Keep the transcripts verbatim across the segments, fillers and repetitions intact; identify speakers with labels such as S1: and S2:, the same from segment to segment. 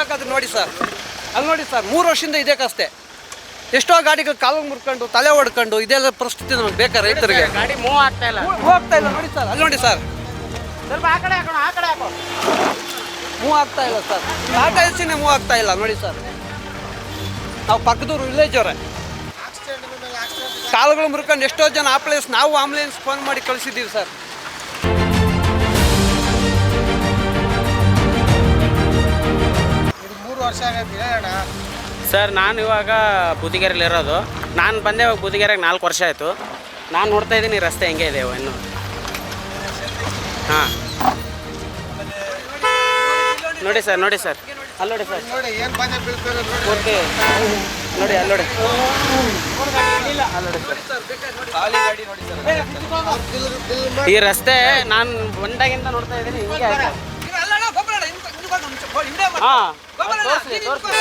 S1: ಬೇಕಾದ್ರೆ ನೋಡಿ ಸರ್, ಅಲ್ಲಿ ನೋಡಿ ಸರ್, ಮೂರು ವರ್ಷದಿಂದ ಇದೇ ಕಷ್ಟೇ. ಎಷ್ಟೋ ಗಾಡಿಗಳು ಕಾಲು ಮುರ್ಕೊಂಡು ತಲೆ ಹೊಡ್ಕೊಂಡು ಇದೆಲ್ಲ ಪರಿಸ್ಥಿತಿ ನಮಗೆ ಬೇಕಾ ರೈತರಿಗೆ?
S2: ಗಾಡಿ ಮೂವ್ ಆಗ್ತಾ ಇಲ್ಲ
S1: ಮೂವ್ ಆಗ್ತಾ ಇಲ್ಲ ನೋಡಿ ಸರ್, ಅಲ್ಲಿ ನೋಡಿ ಸರ್,
S2: ಸ್ವಲ್ಪ ಆ ಕಡೆ ಹಾಕೋಣ, ಆ ಕಡೆ ಹಾಕೋ.
S1: ಮೂವ್ ಆಗ್ತಾ ಇಲ್ಲ ಸರ್, ಟಾಟಾ ಎಸಿನೇ ಮೂವ್ ಆಗ್ತಾ ಇಲ್ಲ ನೋಡಿ ಸರ್. ನಾವು ಪಕ್ಕದೂರು ವಿಲೇಜ್ ಅವರೇ, ಕಾಲುಗಳು ಮುರ್ಕೊಂಡು ಎಷ್ಟೋ ಜನ ಆಂಬುಲೆನ್ಸ್, ನಾವು ಆಂಬುಲೆನ್ಸ್ ಫೋನ್ ಮಾಡಿ ಕಳಿಸಿದ್ದೀವಿ ಸರ್.
S3: ಮೂರು ವರ್ಷ ಆಗೈತೆ ಅಣ್ಣ.
S2: ಸರ್ ನಾನು ಇವಾಗ ಬೂದಿಗೆರೆಯಲ್ಲಿ ಇರೋದು. ನಾನು ಬಂದೆ ಇವಾಗ ಬೂದಿಗೆರೆಗೆ ನಾಲ್ಕು ವರ್ಷ ಆಯಿತು. ನಾನು ನೋಡ್ತಾ ಇದ್ದೀನಿ ರಸ್ತೆ ಹೆಂಗೆ ಇದೆ ಇನ್ನು. ಹಾಂ ನೋಡಿ ಸರ್, ನೋಡಿ ಸರ್, ಅಲ್ಲಿ ನೋಡಿ ಸರ್,
S3: ನೋಡಿ ಏನು ಬಂದೆ ಬೀಳ್ತಾರೆ ನೋಡಿ.
S2: ಓಕೆ ನೋಡಿ, ಅಲ್ಲಿ ನೋಡಿ, ಈ ರಸ್ತೆ ನಾನು ಬಂದಾಗಿಂದ ನೋಡ್ತಾ ಇದ್ದೀನಿ ಹಿಂಗೆ ಆಯ್ತು. ಹಾಂ ತೋರಿಸ್ಲಿ ತೋರಿಸ್ಲಿ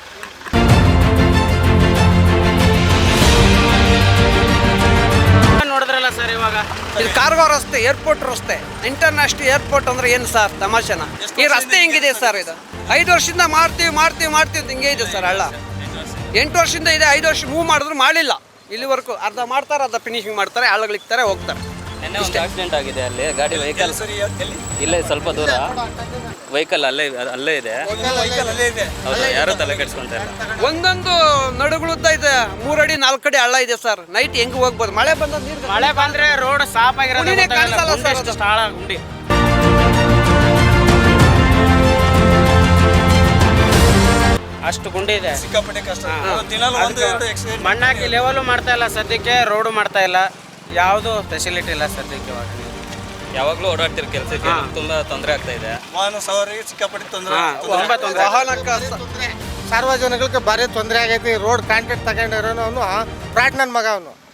S2: ನೋಡಿದ್ರಲ್ಲ ಸರ್. ಇವಾಗ
S1: ಇದು ಕಾರ್ಗೋ ರಸ್ತೆ, ಏರ್ಪೋರ್ಟ್ ರಸ್ತೆ, ಇಂಟರ್ನ್ಯಾಷನಲ್ ಏರ್ಪೋರ್ಟ್ ಅಂದ್ರೆ ಏನು ಸರ್ ತಮಾಷೆನ? ಈ ರಸ್ತೆ ಹೆಂಗಿದೆ ಸರ್? ಇದು ಐದು ವರ್ಷದಿಂದ ಮಾಡ್ತೀವಿ ಮಾಡ್ತೀವಿ ಮಾಡ್ತೀವಿ ಅಂತ ಹಿಂಗೆ ಇದೆ ಸರ್. ಹಳ್ಳ ಎಂಟು ವರ್ಷದಿಂದ ಇದೆ, ಐದು ವರ್ಷ ಮೂವ್ ಮಾಡಿದ್ರು ಮಾಡಿಲ್ಲ ಇಲ್ಲಿವರೆಗೂ. ಅರ್ಧ ಮಾಡ್ತಾರೆ, ಅರ್ಧ ಫಿನಿಶಿಂಗ್ ಮಾಡ್ತಾರೆ, ಹಳ್ಳಗಳಿಕ್ತಾರೆ, ಹೋಗ್ತಾರೆ.
S4: ನೆನ್ನೆ ಒಂದು ಆಕ್ಸಿಡೆಂಟ್ ಆಗಿದೆ ಅಲ್ಲಿ. ಗಾಡಿ ವೆಹಿಕಲ್ ಇಲ್ಲೇ ಸ್ವಲ್ಪ ದೂರ ವೆಹಿಕಲ್ ಅಲ್ಲೇ ಅಲ್ಲೇ ಇದೆ. ಹೌದು, ಯಾರು ತಲೆ ಕೆಡ್ಸ್ಕೊಂತ ಇಲ್ಲ.
S1: ಒಂದೊಂದು ನಡುಗಳುದ್ದ ಇದೆ, ಮೂರಡಿ ನಾಲ್ಕಡಿ ಹಳ್ಳ ಇದೆ ಸರ್. ನೈಟ್ ಹೆಂಗ್ ಹೋಗ್ಬೋದು? ಮಳೆ ಬಂದ ನೀರು,
S2: ಮಳೆ ಬಂದ್ರೆ ರೋಡ್ ಸಾಫ್ ಆಗಿರೋದು
S1: ಗುಂಡಿನೇ ಕಾಣಿಸಲ್ಲ ಸರ್. ಅದು
S2: ಸ್ಥಳ ಗುಂಡಿ ಅಷ್ಟು ಗುಂಡಿ ಇದೆ,
S5: ಸಿಕ್ಕಾಪಟ್ಟೆ ಕಷ್ಟ.
S2: ಮಣ್ಣಾಕಿ ಲೆವೆಲ್ ಮಾಡ್ತಾ ಇಲ್ಲ ಸದ್ಯಕ್ಕೆ, ರೋಡು ಮಾಡ್ತಾ ಇಲ್ಲ, ಯಾವುದು ಫೆಸಿಲಿಟಿ ಇಲ್ಲ ಸದ್ಯಕ್ಕೆ. ಇವಾಗ
S4: ಯಾವಾಗಲೂ ಓಡಾಡ್ತಿರೋ ಕೆಲಸಕ್ಕೆ ತುಂಬಾ ತೊಂದರೆ ಆಗ್ತಾ ಇದೆ.
S5: ವಾಹನ ಸವಾರಿಗೆ ಸಿಕ್ಕಾಪಟ್ಟೆ ತೊಂದರೆ.
S2: ತುಂಬಾ ತೊಂದರೆ.
S1: ವಾಹನಕ್ಕೆ
S3: ಸಾರ್ವಜನಿಕರಿಗೆ ಭಾರಿ ತೊಂದರೆ ಆಗೈತಿ. ರೋಡ್ ಕಾಂಟ್ರಾಕ್ಟ್ ತಗೊಂಡಿರೋನು ಅವನು ಫ್ರಾಡ್ ನನ್ನ ಮಗ ಅವನು.